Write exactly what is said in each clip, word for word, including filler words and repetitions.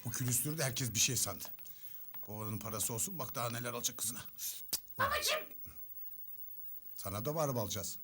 Bu külüstürü de herkes bir şey sandı. Bu oğlanın parası olsun, bak daha neler alacak kızına. Babacığım. Sana da mı araba alacağız?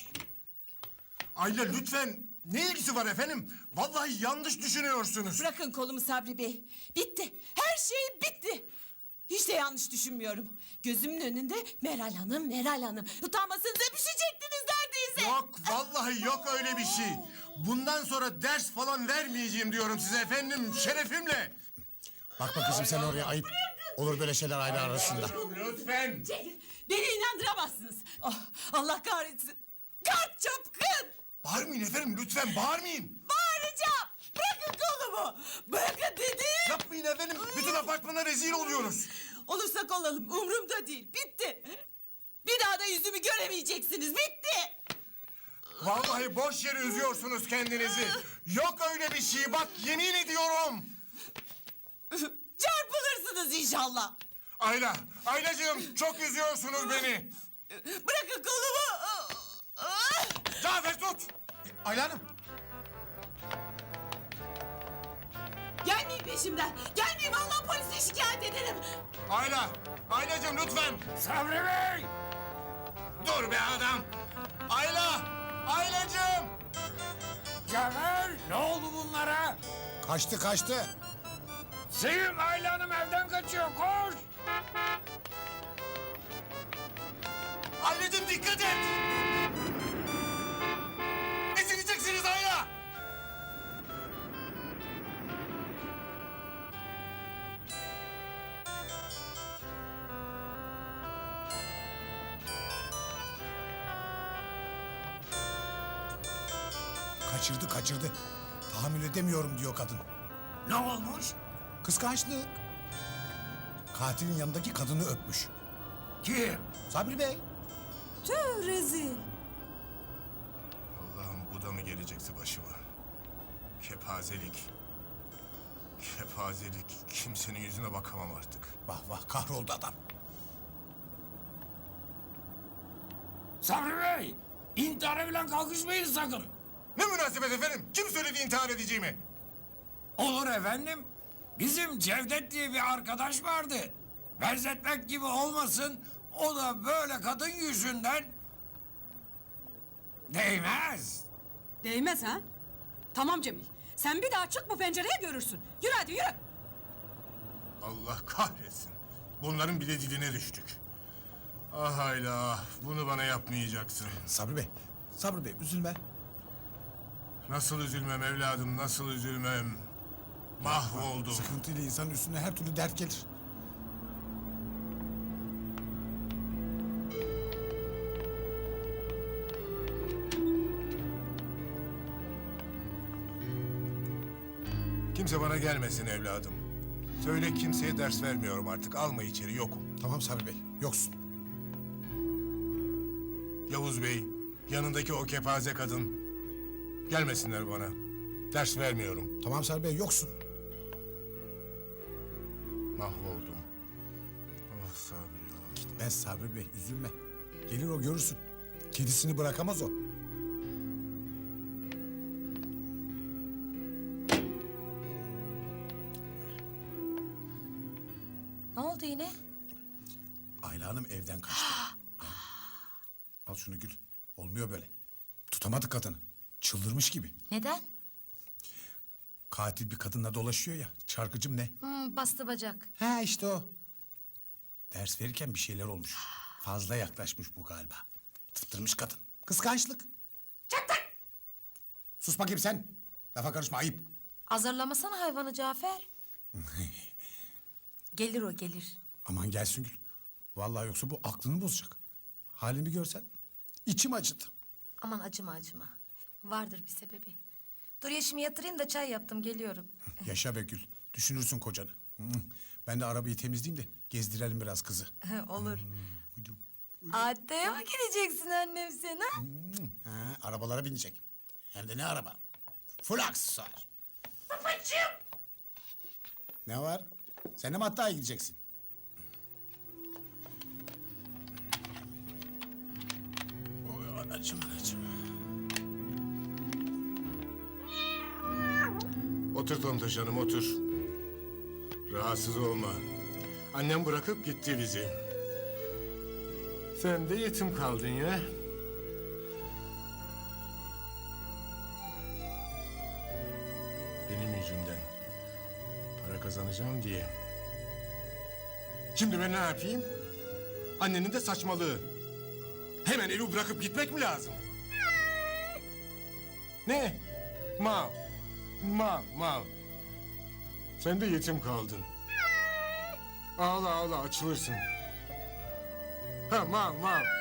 Ayla lütfen. Ne ilgisi var efendim? Vallahi yanlış düşünüyorsunuz. Bırakın kolumu Sabri Bey. Bitti. Her şey bitti. Hiç de yanlış düşünmüyorum. Gözümün önünde Meral Hanım, Meral Hanım. Utanmasanıza düşecektiniz neredeyse. Yok vallahi yok öyle bir şey. Bundan sonra ders falan vermeyeceğim diyorum size efendim. Şerefimle. Bakma kızım sen oraya, ayıp. Olur böyle şeyler aile arasında. Lütfen. Celil, beni inandıramazsınız. Oh, Allah kahretsin. Kart çapkın. Bağırmayın efendim lütfen bağırmayın. Bağıracağım. Bırakın kolumu. Bırakın dedim. Yapmayın efendim. Bütün apartmana rezil oluyoruz. Olursak olalım. Umurumda değil. Bitti. Bir daha da yüzümü göremeyeceksiniz. Bitti. Vallahi boş yere üzüyorsunuz kendinizi. Yok öyle bir şey bak yemin ediyorum. Çarpılırsınız inşallah. Ayla, Aylacığım çok üzüyorsunuz beni. Bırakın kolumu. Cafer tut. Ayla Hanım. Gelmeyin peşimden. Gelmeyin vallahi polise şikayet ederim. Ayla, Aylacığım lütfen. Sabri Bey! Dur be adam. Ayla, Aylacığım. Cafer, ne oldu bunlara? Kaçtı kaçtı. Sevim Ayla Hanım evden kaçıyor, koş! Aylacığım dikkat et. Ezileceksiniz Ayla. Kaçırdı kaçırdı. Tahammül edemiyorum diyor kadın. Ne olmuş? Kıskançlık. Katilin yanındaki kadını öpmüş. Kim? Sabri Bey. Tüh rezil. Allah'ım bu da mı gelecekti başıma? Kepazelik. Kepazelik. Kimsenin yüzüne bakamam artık. Vah vah kahroldu adam. Sabri Bey, intihara falan kalkışmayın sakın. Ne münasebet efendim? Kim söyledi intihar edeceğimi? Olur efendim. Bizim Cevdet diye bir arkadaş vardı. Benzetmek gibi olmasın, o da böyle kadın yüzünden... Değmez. Değmez ha? Tamam Cemil. Sen bir daha çık bu pencereye görürsün. Yürü hadi yürü. Allah kahretsin. Bunların bile diline düştük. Ah Ayla, bunu bana yapmayacaksın. Sabri Bey. Sabri Bey üzülme. Nasıl üzülmem evladım, nasıl üzülmem? Mahvoldum. Sıkıntıyla insanın üstüne her türlü dert gelir. Kimse bana gelmesin evladım. Söyle kimseye ders vermiyorum artık. Alma içeri, yokum. Tamam Sabri Bey, yoksun. Yavuz Bey, yanındaki o kepaze kadın. Gelmesinler bana. Ders vermiyorum. Tamam Sabri Bey, yoksun. Mahvoldum. Ah Sabri ya. Ben Sabri Bey, üzülme. Gelir o, görürsün. Kedisini bırakamaz o. Ne oldu yine? Ayla Hanım evden kaçtı. Al şunu Gül. Olmuyor böyle. Tutamadık kadını. Çıldırmış gibi. Neden? Katil bir kadınla dolaşıyor ya. Çarkıcım ne? Hmm, bastı bacak. Ha işte o. Ders verirken bir şeyler olmuş. Fazla yaklaşmış bu galiba. Tıftırmış kadın. Kıskançlık. Çattık. Sus bakayım sen. Lafa karışma, ayıp. Azarlamasana hayvanı Cafer. Gelir o gelir. Aman gelsin Gül. Vallahi yoksa bu aklını bozacak. Halimi görsen içim acıdı. Aman acıma acıma. Vardır bir sebebi. Dur yaşımı yatırayım da çay yaptım geliyorum. Yaşa be Gül. Düşünürsün kocanı. Hı. Ben de arabayı temizleyeyim de gezdirelim biraz kızı. Olur. Uydu. Adaya mı gideceksin annem sen ha? Hı. Ha, arabalara binecek. Hem de ne araba? Full aksesuar. Babacığım. Ne var? Sen de mi hatta gideceksin? Oy anacığım anacığım. Otur Tontoş Hanım, otur. Rahatsız olma. Annem bırakıp gitti bizi. Sen de yetim kaldın ya. Benim yüzümden. Para kazanacağım diye. Şimdi ben ne yapayım? Annenin de saçmalığı. Hemen evi bırakıp gitmek mi lazım? Ne? Mal. Mal, mal. Sen de yetim kaldın. Ağla ağla açılırsın. Ha mal mal.